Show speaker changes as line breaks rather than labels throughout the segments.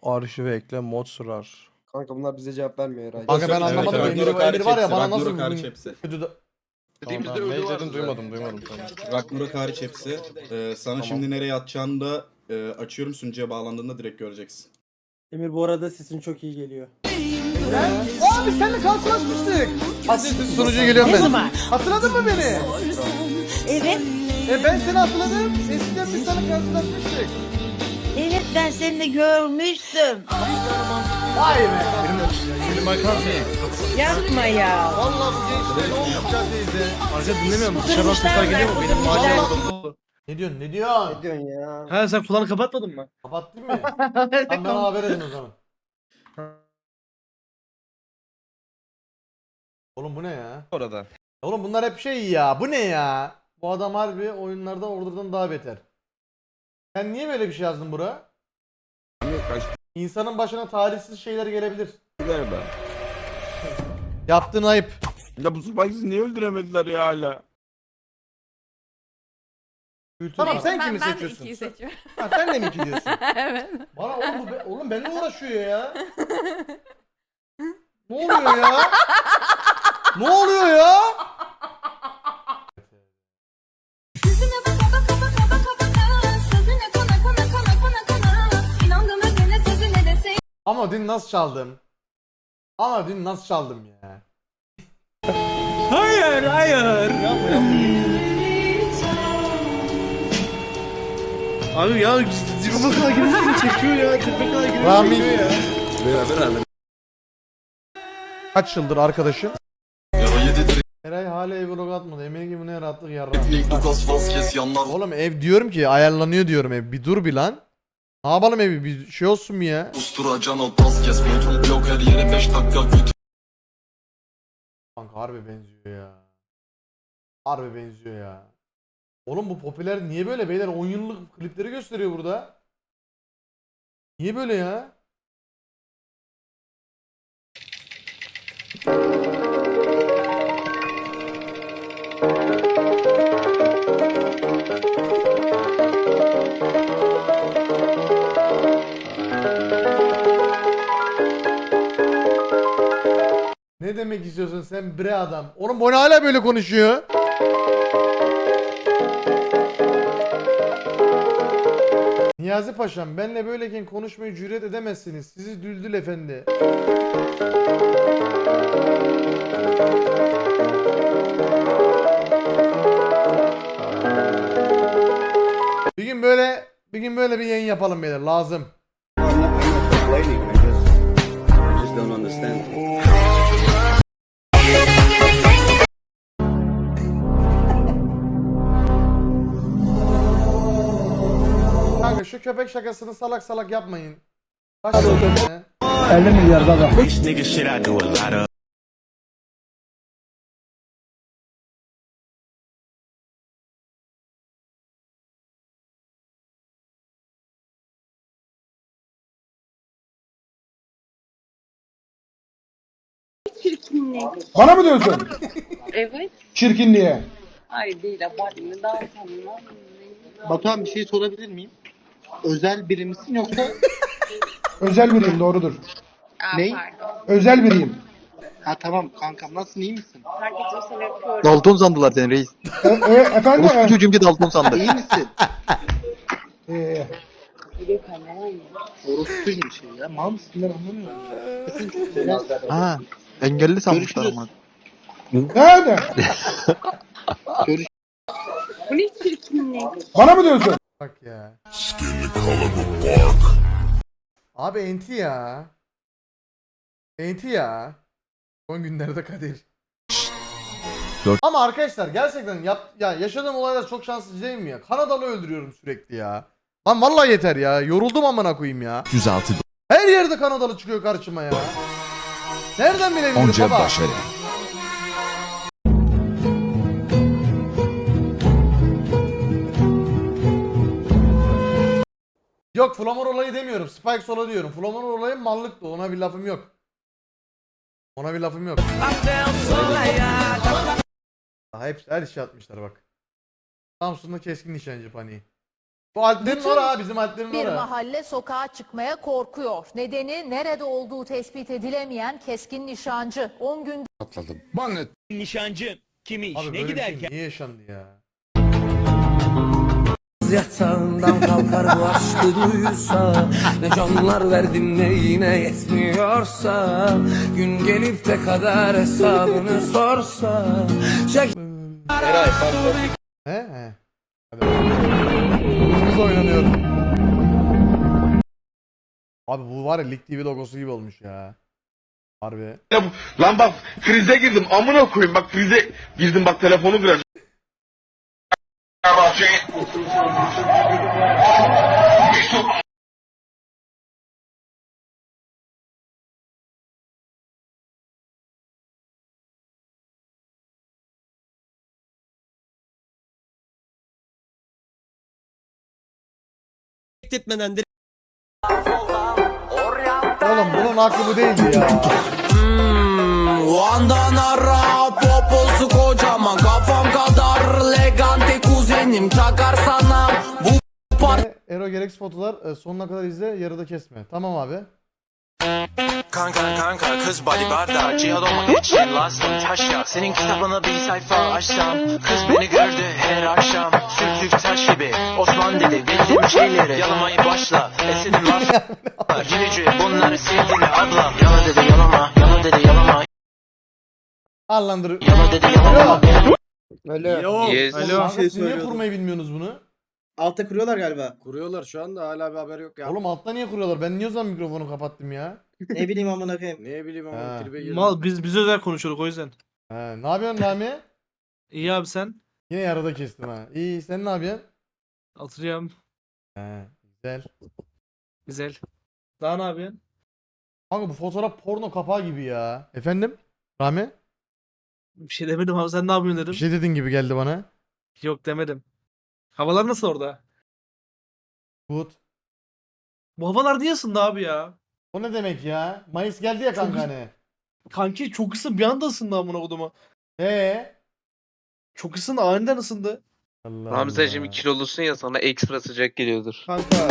Arşive ekle mod sırar.
Kanka bunlar bize cevap vermiyor herhalde.
Kanka ben anlamadım.
Evet,
Emir,
Ragnarok
Emir var ya
hariç
bana
hepsi,
nasıl
Ragnarok hariç
bugün
hepsi.
kötü de...
Dediğimizde
Tamam,
ölü
ne
var.
dedin duymadım tamam.
Ragnarok hariç hepsi. Sana şimdi nereye atacağını da açıyorum, sunucuya bağlandığında direkt göreceksin.
Emir bu arada sesin çok iyi geliyor.
Abi seninle karşılaşmıştık. Sunucuya geliyorum ben. Hatırladın mı beni?
Evet,
Ben seni hatırladım. Eskiden biz seninle karşılaşmıştık.
evet ben seni de görmüştüm.
Vay be.
Benim arkadaşım.
Yapma ya.
Vallahi bu gençler ne olmuş ya teyze?
Arka dinlemiyor musun? Dışarıdan sesler geliyor mu? Benim mahalle dolu.
Ne diyorsun ne diyorsun?
Ne diyorsun ya?
Ha sen kulağını kapatmadın mı?
Kapattın mı? Tamam bana haber edin o zaman. Oğlum bu ne ya?
Orada.
Oğlum bunlar hep şey ya. Bu ne ya? Bu adam harbi oyunlarda Order'dan daha beter. Sen niye böyle bir şey yazdın bura? İnsanın başına talihsiz şeyler gelebilir.
Galiba.
Yaptığın ayıp.
Ya bu Spikes'i niye öldüremediler ya hala?
Tamam sen kimi
ben de
seçiyorsun?
ikiyi seçiyorum.
Ha, sen de mi iki diyorsun?
Evet.
Bana oğlum, oğlum benimle uğraşıyor ya. Ne oluyor ya? Ne oluyor ya?
Yüzüne baka baka baka baka baka sözüne kana kana kana kana kana inandım özüne sözüne de sen.
Ama dün nasıl çaldım? Ama dün nasıl çaldım ya?
Abi ya dibime kadar girmesini çekiyor ya. Dibime kadar girmesini
Rami.
çekiyor ya.
Beraber
Kaç yıldır arkadaşın? Eray hala ev vlog atmadı. Emin gibi ne rahatlık yarra. Oğlum ev diyorum ki ayarlanıyor diyorum ev. Bir dur bir lan. Ne yapalım evi bir şey olsun mu ya? Kanka harbi benziyor ya. Harbi benziyor ya. Oğlum bu popüler niye böyle beyler 10 yıllık klipleri gösteriyor burada. Niye böyle ya? Ne demek istiyorsun sen bre adam? Oğlum bu ne hala böyle konuşuyor? Niyazi Paşam benle böyleyken konuşmayı cüret edemezsiniz. Sizi Düldül Efendi. Bir gün böyle bir yayın yapalım beyler lazım. Kanka şu köpek şakasını salak salak yapmayın. Başlayalım ya.
50 milyar baba.
Bana mı diyorsun?
Evet.
Çirkinliğe.
Hayır değil abartma. Daha tanımam.
Batuhan bir şey sorabilir miyim? Özel biri misin yoksa?
Özel biriyim doğrudur.
Ney?
Pardon.
Özel biriyim.
Ha tamam kankam nasılsın iyi misin?
Herkes o seni öpüyorum.
Dalton sandılar seni reis.
Efendim?
Orospu çocuğum ki Dalton sandı.
İyi misin?
Bir kamera mı?
Orospuyum şey ya. Mal mısın ben anlamıyorum.
Ha, engelli sanmışlar ama.
Nerede?
Bu ne çirkinlik?
Bana mı diyorsun?
Bak ya. Abi enti ya. Enti ya. Son günlerde Kadir. Ama arkadaşlar gerçekten ya yaşadığım olaylar çok şanssız değil mi ya? Kanadalı öldürüyorum sürekli ya. Lan vallahi yeter ya. Yoruldum amına koyayım ya.
106
Her yerde Kanadalı çıkıyor karşıma ya. Nereden bilebilirim baba? Yok Flamor olayı demiyorum. Spikes olayı diyorum. Flamor olayı mallıktı. Ona bir lafım yok. Ona bir lafım yok. Daha hep her şey atmışlar bak. Samsun'da keskin nişancı paniği. Bu Alplerin ora, bizim Alplerin
Bir
ora.
mahalle sokağa çıkmaya korkuyor. Nedeni nerede olduğu tespit edilemeyen keskin nişancı. 10 gün
Nişancı kimi
Abi böyle bir şey niye yaşandı ya?
Yatağından kalkar bu aşkı duysa, ne canlar verdin ne yine yetmiyorsa, gün gelip de kader hesabını sorsa,
He? Hadi. Hızımız oynanıyor. Abi bu var ya Lig TV logosu gibi olmuş ya. Harbi.
Lan bak krize girdim amına koyayım bak krize girdim bak telefonu kıracağım.
etmeden
Oğlum bunun aklı bu değildi ya.
o andan ara poposu kocaman, kafam kadar legante kuzenim takar sana bu
Ero gereksiz fotolar sonuna kadar izle, yarıda kesme. Tamam abi.
Kanka kız bodyguard'a cihaz olmak için lazım taşya. Senin kitabına bir sayfa açsam, kız beni gördü her akşam. Sürtük taş gibi Osman dedi bildiğim şeyleri yalamayı başla. Esedim var gülücü bunları sevdiğini abla. Yala dedi yalama, yala dedi yalama,
Allandır.
yala dedi yalama.
Alo.
Yes.
Alo.
Siz niye kurmayı bilmiyorsunuz bunu?
Altta kuruyorlar galiba.
Kuruyorlar şu anda hala bir haber yok ya.
Oğlum altta niye kuruyorlar? Ben niye o zaman mikrofonu kapattım ya?
Ne bileyim amına koyayım.
Ne bileyim ama
Ha.
tribe girdim.
Mal biz özel konuşuyoruz o yüzden.
He, ne yapıyorsun Rami?
İyi abi sen.
Yine yarıda kestim ha. İyi, sen ne yapıyorsun?
Oturuyorum.
He, güzel.
Güzel. Daha ne yapıyorsun?
Kanka bu fotoğraf porno kapağı gibi ya. Efendim? Rami?
Bir şey demedim abi sen ne yapıyorsun dedim.
Bir şey dedin gibi geldi bana.
Yok demedim. Havalar nasıl orada?
Good.
Bu havalar niye ısındı abi ya?
O ne demek ya? Mayıs geldi ya kanka hani.
Kanki çok ısın bir anda ısındı amına koduma. Çok ısındı aniden ısındı.
Allah
Hamzacığım
Allah.
kilolusun ya sana ekstra sıcak geliyordur.
Kanka.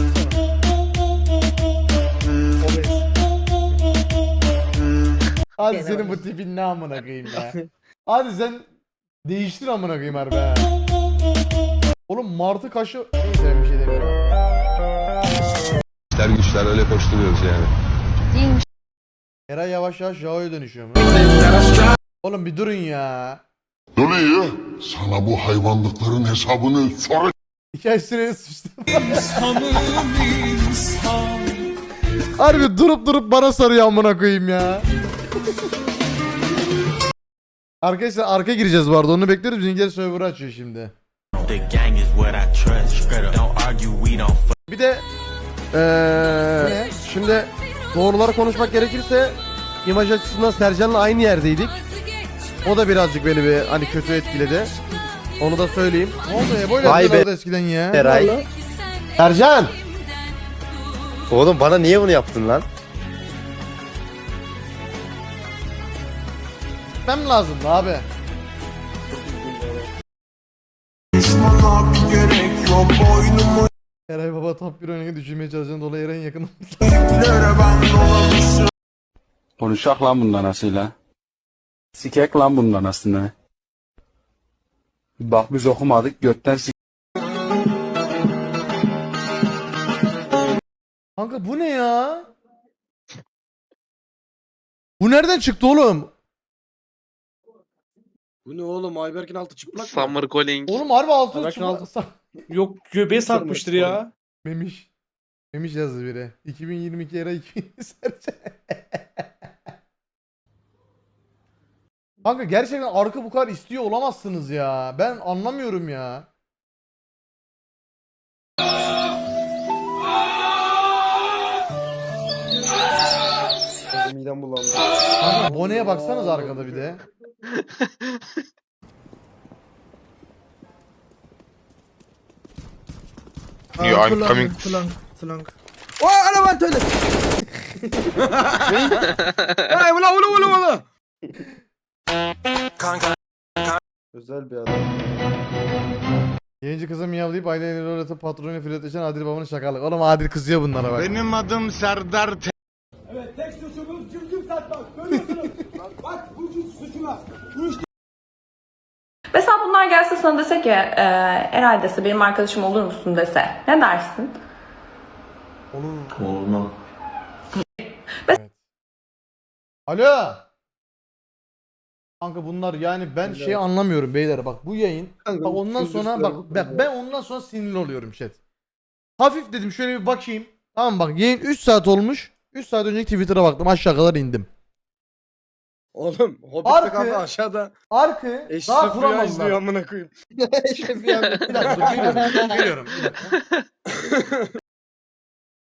Hadi senin bu tipin ne amına koyayım ya. Hadi sen değiştir amına koyayım harbi ha. Oğlum martı kaşı... Neyse ben bir şey demiyorum.
İşler güçler öyle koşturuyoruz yani.
Eray yavaş yavaş Jao'ya dönüşüyor mu? Oğlum bir durun ya.
Dönüyor. Sana bu hayvanlıkların hesabını sonra...
Hikaye süreni sıçtım. Harbi durup durup bana sarıyor amına koyayım ya. Arkadaşlar arka gireceğiz bu arada onu bekliyoruz. Bizimkiler server'ı açıyor şimdi. Bir de
Şimdi doğruları konuşmak gerekirse imaj açısından Sercan'la aynı yerdeydik. O da birazcık beni bir hani kötü etkiledi. Onu da söyleyeyim.
ne oldu ya böyle
Vay be.
yapıyorlardı eskiden ya.
Eray. Sercan! Oğlum bana niye bunu yaptın lan?
Gitmem lazımdı abi. Eray baba top 1 oynayı düşürmeye çalışan dolayı Eray'ın yakın.
Konuşak lan bundan asıyla. Sikek lan bundan aslında. Bak biz okumadık götten
Kanka bu ne ya? Bu nereden çıktı oğlum?
Bu ne oğlum Ayberk'in altı çıplak mı?
Summer Calling.
Oğlum harbi altın
Bırakın
çıplak.
altın. Yok göbeğe sarkmıştır ya.
Memiş. Memiş yazdı biri. 2022 era 2020 Sercan. Kanka gerçekten arka bu kadar istiyor olamazsınız ya. Ben anlamıyorum ya.
Midem bulandı.
Kanka Bone'ye baksanız arkada bir de.
Yeah, I'm coming.
Özel bir adam.
Yayıncı kıza miyavlayıp aileyle rol atıp patronuyla flörtleşen Adil babanın şakalık. Oğlum Adil kızıyor bunlara bak.
Benim adım Serdar
Evet, tek suçumuz cümcüm satmak. Görüyorsunuz. Bak bu suçuna.
Mesela bunlar gelse sana dese ki Eray dese benim arkadaşım olur musun dese ne dersin?
Olmam.
Alo. Kanka bunlar yani ben şey anlamıyorum beyler bak bu yayın.
Kanka,
Bak ondan sonra bak ben ondan sonra sinirli oluyorum chat. Hafif dedim şöyle bir bakayım. Tamam bak yayın 3 saat olmuş. 3 saat önceki Twitter'a baktım aşağı kadar indim.
Oğlum Hobbit'te
Arkı-
kanka aşağıda
Arkı daha
Eşref Rüya izliyor
kuramadılar.
amına koyayım.
Bir dakika dur, geliyorum. Bir dakika.